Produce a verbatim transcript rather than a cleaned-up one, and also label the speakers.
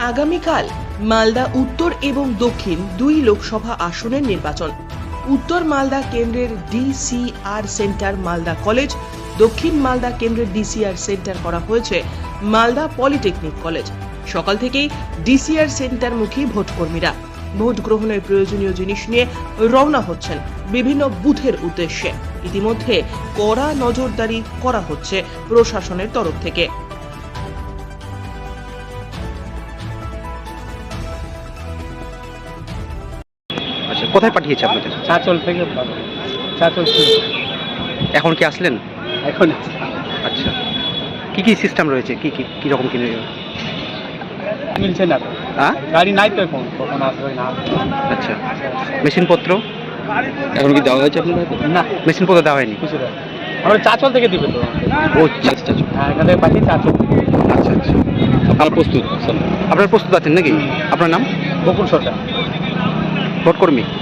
Speaker 1: আগামীকাল মালদা উত্তর এবং দক্ষিণ দুই লোকসভা আসনের নির্বাচন। উত্তর মালদা কেন্দ্রের ডিসিআর সেন্টার মালদা কলেজ, দক্ষিণ মালদা কেন্দ্রের ডিসিআর সেন্টার করা হয়েছে মালদা পলিটেকনিক কলেজ। সকাল থেকেই ডিসিআর সেন্টারমুখী ভোটকর্মীরা ভোট গ্রহণের প্রয়োজনীয় জিনিস নিয়ে রওনা হচ্ছেন বিভিন্ন বুথের উদ্দেশ্যে। ইতিমধ্যে কড়া নজরদারি করা হচ্ছে প্রশাসনের তরফ থেকে।
Speaker 2: আচ্ছা, কোথায় পাঠিয়েছে আপনাদের?
Speaker 3: চাঁচল থেকে চাঁচল থেকে।
Speaker 2: এখন কি আসলেন?
Speaker 3: এখন
Speaker 2: আচ্ছা, কি কি সিস্টেম রয়েছে, কি কি কি রকম কিনে
Speaker 3: মিলছে না তো,
Speaker 2: হ্যাঁ?
Speaker 3: গাড়ি নাই তো এখন, কখন আসবে না আসবে।
Speaker 2: আচ্ছা, মেশিনপত্র এখন কি দেওয়া হয়েছে আপনাদের?
Speaker 3: না,
Speaker 2: মেশিনপত্র দেওয়া হয়নি।
Speaker 3: কিছু না, আমরা চাঁচল থেকে দিবে তো।
Speaker 2: ও আচ্ছা আচ্ছা,
Speaker 3: হ্যাঁ, এখান থেকে পাঠিয়ে চাঁচল।
Speaker 2: আচ্ছা আচ্ছা, আপনারা প্রস্তুত? আপনারা প্রস্তুত আছেন নাকি? আপনার নাম?
Speaker 3: বকুল সরকার,
Speaker 2: ভোটকর্মী।